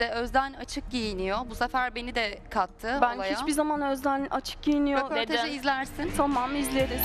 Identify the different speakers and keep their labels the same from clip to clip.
Speaker 1: Özden açık giyiniyor. Bu sefer beni de kattı
Speaker 2: Ben
Speaker 1: olaya.
Speaker 2: hiçbir zaman Özden açık giyiniyor
Speaker 1: Röportajı
Speaker 2: dedim.
Speaker 1: izlersin.
Speaker 2: Tamam, izleriz.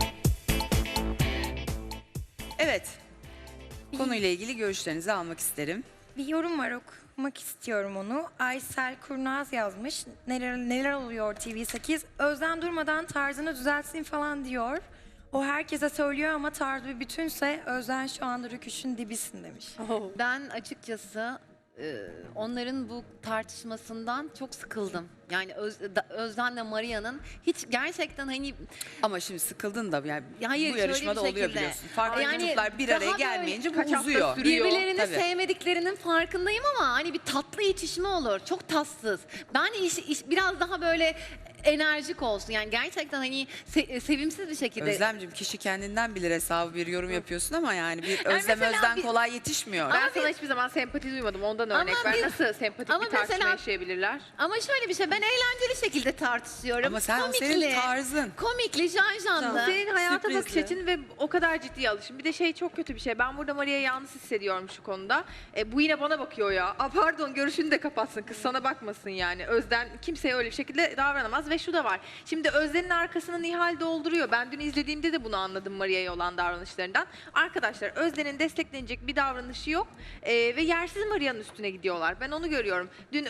Speaker 3: Evet. Konuyla ilgili görüşlerinizi almak isterim.
Speaker 4: Bir yorum var, okumak istiyorum onu. Aysel Kurnaz yazmış. Neler oluyor TV8? Özden durmadan tarzını düzeltsin falan diyor. O herkese söylüyor ama tarz bir bütünse Özden şu anda rüküşün dibisin demiş.
Speaker 5: Ben açıkçası onların bu tartışmasından çok sıkıldım. Yani Özden'le Maria'nın hiç gerçekten hani
Speaker 3: Ama şimdi sıkıldın da yani
Speaker 5: hayır,
Speaker 3: bu yarışmada
Speaker 5: şöyle bir
Speaker 3: oluyor
Speaker 5: şekilde.
Speaker 3: biliyorsun. Farklı
Speaker 5: Yani
Speaker 3: gruplar bir
Speaker 5: daha
Speaker 3: araya
Speaker 5: böyle
Speaker 3: gelmeyince bu
Speaker 5: kaç hafta
Speaker 3: uzuyor.
Speaker 5: birbirlerini
Speaker 3: Tabii.
Speaker 5: sevmediklerinin farkındayım ama hani bir tatlı itişme olur. Çok tatsız. Ben biraz daha böyle enerjik olsun. Yani gerçekten hani sevimsiz bir şekilde.
Speaker 3: Özlemciğim, kişi kendinden bilir hesabı, bir yorum yapıyorsun ama yani bir Özlem
Speaker 5: mesela
Speaker 3: Özden
Speaker 5: bir-
Speaker 3: kolay yetişmiyor.
Speaker 6: Ben sana hiçbir zaman sempati duymadım. Ondan örnek ver.
Speaker 5: bir-
Speaker 6: Nasıl sempatik
Speaker 5: ama
Speaker 6: bir tartışma
Speaker 5: mesela-
Speaker 6: yaşayabilirler?
Speaker 5: Ama şöyle bir şey, ben eğlenceli şekilde tartışıyorum.
Speaker 3: Ama sen senin tarzın.
Speaker 5: Komikli, janjanlı.
Speaker 6: Senin hayata
Speaker 3: Sürprizli.
Speaker 6: bakış açın ve o kadar ciddiye alışın. Bir de şey çok kötü bir şey. Ben burada Maria'yı yalnız hissediyorum şu konuda. Bu yine bana bakıyor ya. Pardon, görüşünü de kapatsın kız, sana bakmasın yani. Özden kimseye öyle bir şekilde davranamaz ve şu da var. Şimdi Özden'in arkasını Nihal dolduruyor. Ben dün izlediğimde de bunu anladım Maria'ya olan davranışlarından. Arkadaşlar, Özden'in desteklenecek bir davranışı yok. Ve yersiz Maria'nın üstüne gidiyorlar. Ben onu görüyorum. Dün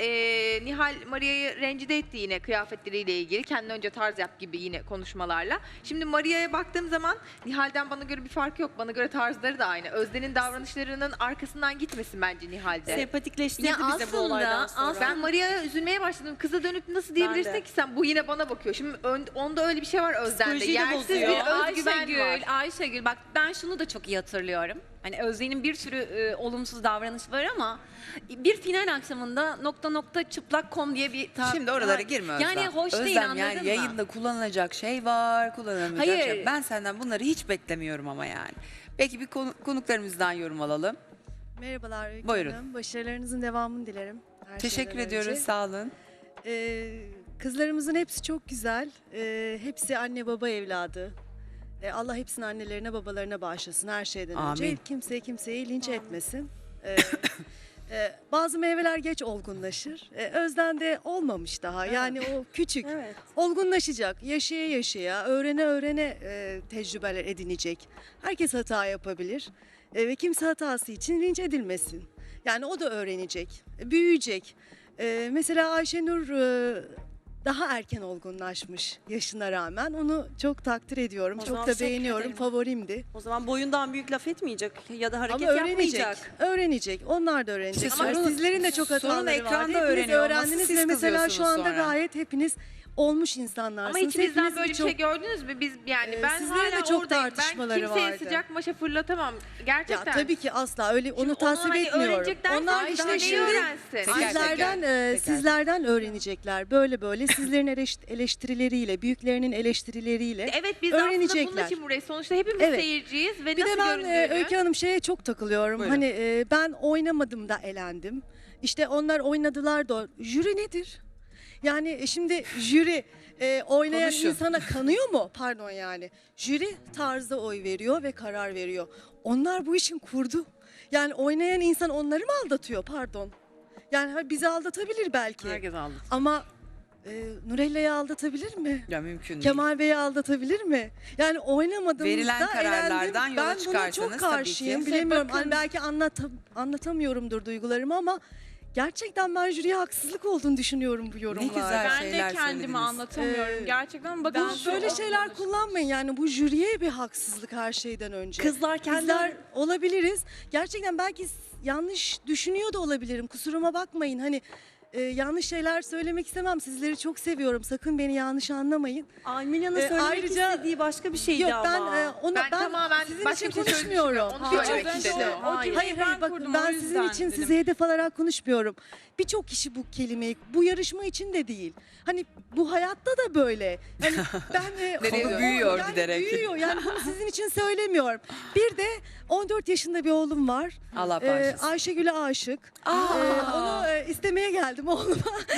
Speaker 6: Nihal Maria'yı rencide etti yine kıyafetleriyle ilgili. Kendine önce tarz yap gibi yine konuşmalarla. Şimdi Maria'ya baktığım zaman Nihal'den bana göre bir fark yok. Bana göre tarzları da aynı. Özden'in davranışlarının arkasından gitmesin bence Nihal'de.
Speaker 7: Sempatikleştirdi
Speaker 5: Ya
Speaker 7: bize bu olaydan sonra.
Speaker 6: Ben Maria'ya üzülmeye başladım. Kıza dönüp nasıl diyebilirsin
Speaker 7: de.
Speaker 6: ki sen bu yine bana bakıyor. Şimdi onda öyle bir şey var Özden'de.
Speaker 7: Psikolojiyi de
Speaker 6: Yersiz
Speaker 7: bozuyor.
Speaker 6: bir özgüven var.
Speaker 5: Ayşegül bak, ben şunu da çok iyi hatırlıyorum. Hani Özden'in bir sürü olumsuz davranış var ama bir final akşamında .çıplak.com diye bir
Speaker 3: Şimdi oralara girme Özlem.
Speaker 5: Yani hoş değil,
Speaker 3: Özlem,
Speaker 5: anladın
Speaker 3: yani
Speaker 5: mı?
Speaker 3: yayında kullanılacak şey var, kullanılmayacak
Speaker 5: Hayır.
Speaker 3: şey. Ben senden bunları hiç beklemiyorum ama yani. Peki bir konuklarımızdan yorum alalım.
Speaker 8: Merhabalar Öykü
Speaker 3: Buyurun.
Speaker 8: Hanım. Başarılarınızın devamını dilerim. her
Speaker 3: Teşekkür
Speaker 8: şeyden
Speaker 3: ediyoruz,
Speaker 8: önce.
Speaker 3: sağ olun.
Speaker 8: Kızlarımızın hepsi çok güzel. Hepsi anne baba evladı. Allah hepsini annelerine babalarına bağışlasın her şeyden önce.
Speaker 3: Amin.
Speaker 8: Kimseyi linç etmesin. Bazı meyveler geç olgunlaşır. Özden de olmamış daha. Yani o küçük.
Speaker 7: Evet.
Speaker 8: Olgunlaşacak. Yaşaya yaşaya, öğrene tecrübeler edinecek. Herkes hata yapabilir. Ve kimse hatası için linç edilmesin. Yani o da öğrenecek, büyüyecek. Mesela Ayşenur daha erken olgunlaşmış yaşına rağmen. Onu çok takdir ediyorum,
Speaker 7: O
Speaker 8: çok
Speaker 7: zaman
Speaker 8: da
Speaker 7: teşekkür
Speaker 8: beğeniyorum,
Speaker 7: ederim.
Speaker 8: favorimdi.
Speaker 7: O zaman boyundan büyük laf etmeyecek ya da hareket
Speaker 8: Ama öğrenecek,
Speaker 7: yapmayacak.
Speaker 8: öğrenecek. Onlar da öğrenecek.
Speaker 3: İşte
Speaker 8: Ama
Speaker 3: sorun-
Speaker 8: sizlerin de çok
Speaker 3: sorun
Speaker 8: hataları vardı.
Speaker 3: ekranda
Speaker 8: Hepiniz
Speaker 3: öğreniyor olması,
Speaker 8: öğrendiniz
Speaker 3: siz
Speaker 8: ve mesela şu
Speaker 3: kızıyorsunuz
Speaker 8: anda
Speaker 3: sonra.
Speaker 8: gayet hepiniz olmuş insanlarsınız.
Speaker 6: Ama içimizden
Speaker 8: Hepiniz
Speaker 6: böyle bir
Speaker 8: birçok-
Speaker 6: şey gördünüz mü? Biz yani ben
Speaker 8: sizlerin de
Speaker 6: hala
Speaker 8: çok
Speaker 6: oradayım. Ben
Speaker 8: tartışmaları
Speaker 6: kimseye
Speaker 8: vardı.
Speaker 6: sıcak maşa fırlatamam.
Speaker 8: Ya
Speaker 6: Gerçekten.
Speaker 8: tabii ki asla öyle onu
Speaker 6: Şimdi
Speaker 8: tasvip
Speaker 6: hani
Speaker 8: etmiyorum.
Speaker 6: öğrenecek dersen
Speaker 8: Onlar
Speaker 6: daha
Speaker 8: işte
Speaker 6: neyi
Speaker 8: şimdi
Speaker 6: öğrensin?
Speaker 3: Teker
Speaker 8: sizlerden
Speaker 3: teker.
Speaker 8: sizlerden öğrenecekler böyle sizlerin eleştirileriyle, büyüklerinin eleştirileriyle
Speaker 6: Evet, biz de aslında bunun
Speaker 8: öğrenecekler.
Speaker 6: için burayı. Sonuçta hepimiz
Speaker 8: Evet.
Speaker 6: seyirciyiz ve
Speaker 8: Bir de
Speaker 6: nasıl
Speaker 8: ben
Speaker 6: göründüğünü.
Speaker 8: Öykü Hanım şeye çok takılıyorum.
Speaker 3: Buyurun.
Speaker 8: Hani ben oynamadım da elendim. İşte onlar oynadılar da jüri nedir? Yani şimdi jüri oynayan
Speaker 3: Konuşun.
Speaker 8: insana kanıyor mu? Pardon yani. Jüri tarzda oy veriyor ve karar veriyor. Onlar bu işin kurdu. Yani oynayan insan onları mı aldatıyor? Pardon. Yani bizi aldatabilir belki.
Speaker 3: Herkes aldı.
Speaker 8: Ama Nurella'yı aldatabilir mi?
Speaker 3: Ya mümkün değil.
Speaker 8: Kemal Bey'i aldatabilir mi? Yani oynamadığımızda
Speaker 3: Verilen kararlardan
Speaker 8: elendim.
Speaker 3: yola
Speaker 8: Ben buna
Speaker 3: çıkarsanız
Speaker 8: çok
Speaker 3: tabii
Speaker 8: karşıyım.
Speaker 3: ki.
Speaker 8: Bilemiyorum.
Speaker 7: Bakın-
Speaker 8: Hani belki anlatamıyorumdur duygularımı ama gerçekten ben jüriye haksızlık olduğunu düşünüyorum bu yorumlarda.
Speaker 3: güzel.
Speaker 2: Ben
Speaker 3: şeyler
Speaker 2: de kendimi
Speaker 3: söylediniz.
Speaker 2: anlatamıyorum. Gerçekten bakın
Speaker 8: Bu böyle şeyler kullanmayın yani bu jüriye bir haksızlık her şeyden önce.
Speaker 7: Kızlar
Speaker 8: Bizler
Speaker 7: kendiler
Speaker 8: olabiliriz. Gerçekten belki yanlış düşünüyor da olabilirim. Kusuruma bakmayın. Hani yanlış şeyler söylemek istemem. Sizleri çok seviyorum. Sakın beni yanlış anlamayın.
Speaker 7: Almilya'nın söylemek
Speaker 8: ayrıca-
Speaker 7: istediği başka bir şeydi
Speaker 8: Yok
Speaker 7: ama.
Speaker 8: ben
Speaker 6: tamamen
Speaker 8: sizin
Speaker 6: başka
Speaker 8: için
Speaker 6: bir şey
Speaker 8: konuşmuyorum.
Speaker 6: söylemiştim. Onu
Speaker 8: Birçok
Speaker 6: söylemek
Speaker 8: kişi-
Speaker 6: istedim.
Speaker 8: Hayır bakın ben sizin için size hedef alarak konuşmuyorum. Birçok kişi bu kelimeyi bu yarışma için de değil. Hani bu hayatta da böyle. Hani ben
Speaker 3: Nereye büyüyor
Speaker 8: yani
Speaker 3: giderek.
Speaker 8: Büyüyor. Yani bunu sizin için söylemiyorum. Bir de 14 yaşında bir oğlum var.
Speaker 3: Allah bağışlasın.
Speaker 8: Ayşegül'e aşık. Onu istemeye geldim oğluma.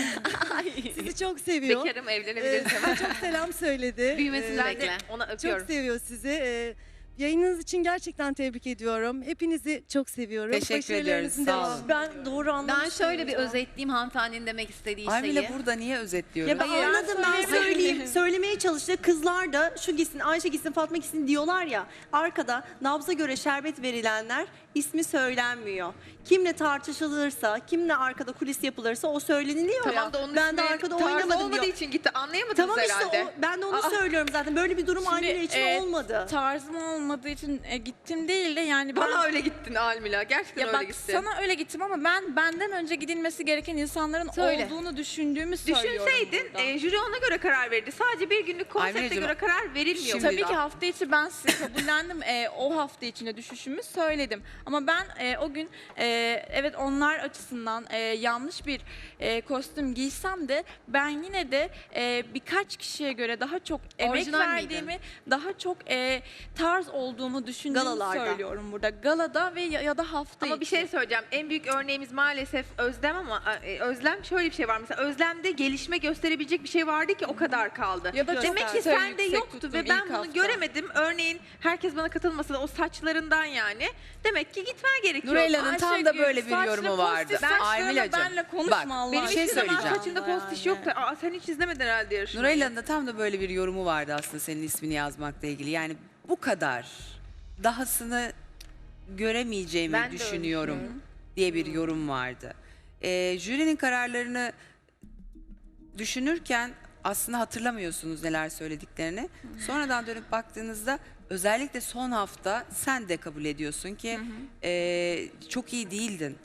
Speaker 8: Sizi çok seviyor.
Speaker 6: Bekarım, evlenebiliriz hemen.
Speaker 8: Size çok selam söyledi.
Speaker 5: Büyümesini
Speaker 8: Ee,
Speaker 5: bekle.
Speaker 6: Ona
Speaker 8: Çok
Speaker 6: öpüyorum.
Speaker 8: seviyor sizi. Yayınınız için gerçekten tebrik ediyorum. Hepinizi çok seviyorum.
Speaker 3: Teşekkür ediyoruz,
Speaker 8: Başarılarınızın
Speaker 3: sağ
Speaker 8: devamı.
Speaker 3: olun.
Speaker 7: Ben doğru anlamıştım.
Speaker 5: Ben şöyle bir özetleyeyim hanımefendinin demek istediği
Speaker 3: Almila
Speaker 5: şeyi.
Speaker 3: burada niye özetliyorum?
Speaker 7: Ya ben anladım, ben söyleyeyim. Söylemeye çalıştı. Kızlar da şu gitsin, Ayşe gitsin, Fatma gitsin diyorlar ya. Arkada nabza göre şerbet verilenler ismi söylenmiyor. Kimle tartışılırsa, kimle arkada kulis yapılırsa o söyleniliyor ya.
Speaker 6: Tamam da onun
Speaker 7: Ben de
Speaker 6: ismi
Speaker 7: arkada
Speaker 6: tarzı
Speaker 7: oynamadım
Speaker 6: olmadığı
Speaker 7: diyor.
Speaker 6: için gitti. Anlayamadınız
Speaker 7: Tamam işte
Speaker 6: herhalde.
Speaker 7: ben de onu
Speaker 6: Aa.
Speaker 7: söylüyorum zaten. Böyle bir durum Almila için olmadı.
Speaker 2: Tarzım olmadığı için gittim değil de yani ben...
Speaker 6: Bana öyle gittin Almila. Gerçekten
Speaker 2: Ya
Speaker 6: öyle
Speaker 2: bak
Speaker 6: gittin.
Speaker 2: sana öyle gittim ama ben benden önce gidilmesi gereken insanların
Speaker 5: Söyle.
Speaker 2: olduğunu düşündüğümü söylüyorum
Speaker 6: Düşünseydin
Speaker 2: burada.
Speaker 6: jüri ona göre karar verirdi. Sadece bir günlük konsepte
Speaker 3: Almilacığım,
Speaker 6: göre karar verilmiyor.
Speaker 3: şimdi-
Speaker 2: Tabii
Speaker 6: burada.
Speaker 2: ki hafta içi ben size kabullendim. O hafta içinde düşüşümü söyledim. Ama ben o gün evet onlar açısından yanlış bir kostüm giysem de ben yine de birkaç kişiye göre daha çok emek
Speaker 5: Orijinal
Speaker 2: verdiğimi, daha çok tarz olduğumu düşündüğümü
Speaker 7: Galalarda.
Speaker 2: söylüyorum burada. Galada ve ya da hafta
Speaker 6: Ama bir
Speaker 2: içi.
Speaker 6: şey söyleyeceğim. En büyük örneğimiz maalesef Özlem ama Özlem şöyle bir şey var. Mesela Özlem'de gelişme gösterebilecek bir şey vardı ki o kadar kaldı.
Speaker 2: Ya da çok
Speaker 6: Demek ki
Speaker 2: güzel
Speaker 6: sende
Speaker 2: yüksek
Speaker 6: yoktu
Speaker 2: tuttum
Speaker 6: ve ben
Speaker 2: ilk
Speaker 6: bunu
Speaker 2: hafta.
Speaker 6: göremedim. Örneğin herkes bana katılmasa da o saçlarından yani. Demek ki gitmen gerekiyor.
Speaker 3: Nureyla'nın tam da
Speaker 2: Ayşegül,
Speaker 3: böyle bir
Speaker 2: saçlı
Speaker 3: yorumu
Speaker 2: pozitif
Speaker 3: vardı.
Speaker 2: saçlarla
Speaker 3: Almilacığım,
Speaker 2: benle konuşma
Speaker 3: bak,
Speaker 2: Allah
Speaker 6: Benim
Speaker 3: bir şey
Speaker 6: hiçbir zaman
Speaker 3: söyleyeceğim.
Speaker 6: saçımda postiş yoktu. Aa, sen hiç izlemedin herhalde yarışmayı.
Speaker 3: Nureyla'nın da tam da böyle bir yorumu vardı aslında senin ismini yazmakla ilgili. Yani bu kadar dahasını göremeyeceğimi
Speaker 6: Ben de öyle
Speaker 3: düşünüyorum
Speaker 6: düşünüyorum.
Speaker 3: diye bir yorum vardı. Jürinin kararlarını düşünürken aslında hatırlamıyorsunuz neler söylediklerini. Sonradan dönüp baktığınızda özellikle son hafta sen de kabul ediyorsun ki çok iyi değildin.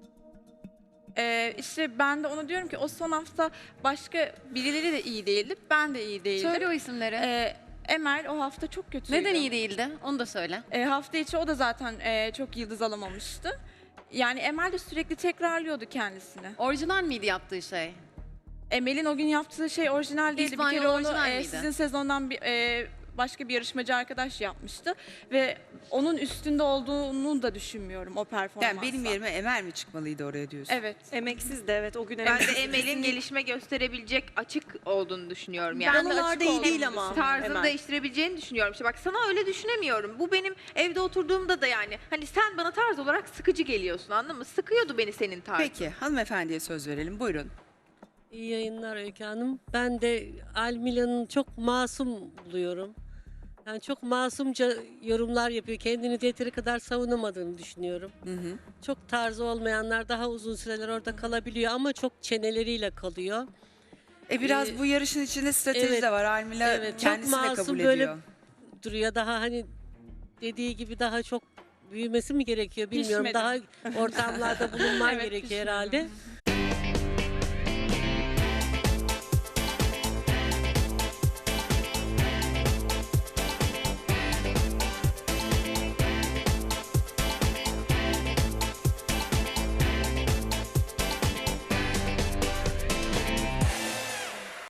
Speaker 2: İşte ben de onu diyorum ki o son hafta başka birileri de iyi değildi. Ben de iyi değildim.
Speaker 5: Söyle o isimleri.
Speaker 2: Emel o hafta çok kötüydü.
Speaker 5: Neden iyi değildi? Onu da söyle.
Speaker 2: Hafta içi o da zaten çok yıldız alamamıştı. Yani Emel de sürekli tekrarlıyordu kendisini.
Speaker 5: Orijinal miydi yaptığı şey?
Speaker 2: Emel'in o gün yaptığı şey orijinal değildi.
Speaker 5: İspanyol
Speaker 2: bir kere onu
Speaker 5: orijinal miydi?
Speaker 2: sizin sezondan başka bir yarışmacı arkadaş yapmıştı. Ve onun üstünde olduğunu da düşünmüyorum o performansla.
Speaker 3: Yani benim yerime Emel mi çıkmalıydı oraya diyorsun?
Speaker 2: Evet.
Speaker 7: Emeksiz de evet o gün
Speaker 6: Ben de
Speaker 7: emeksiz.
Speaker 6: Emel'in gelişme gösterebilecek açık olduğunu düşünüyorum. Yani.
Speaker 2: Ben de
Speaker 7: Galalarda
Speaker 2: açık
Speaker 7: iyi
Speaker 2: olduğunu
Speaker 7: değil ama.
Speaker 6: Tarzını
Speaker 7: Emel.
Speaker 6: değiştirebileceğini düşünüyorum. İşte bak sana öyle düşünemiyorum. Bu benim evde oturduğumda da yani. Hani sen bana tarz olarak sıkıcı geliyorsun anladın mı? Sıkıyordu beni senin tarzın.
Speaker 3: Peki hanımefendiye söz verelim. Buyurun.
Speaker 9: İyi yayınlar Öykü Hanım. Ben de Almila'nın çok masum buluyorum. Yani çok masumca yorumlar yapıyor. Kendini yeteri kadar savunamadığını düşünüyorum. Çok tarzı olmayanlar daha uzun süreler orada kalabiliyor ama çok çeneleriyle kalıyor.
Speaker 3: Biraz bu yarışın içinde strateji
Speaker 9: evet,
Speaker 3: de var. Almila
Speaker 9: evet, çok
Speaker 3: kendisi de
Speaker 9: masum
Speaker 3: kabul
Speaker 9: böyle
Speaker 3: ediyor.
Speaker 9: Duruyor daha hani dediği gibi daha çok büyümesi mi gerekiyor bilmiyorum.
Speaker 2: Pişmedi.
Speaker 9: Daha ortamlarda bulunman
Speaker 2: Evet,
Speaker 9: gerekiyor
Speaker 2: pişmedi.
Speaker 9: herhalde.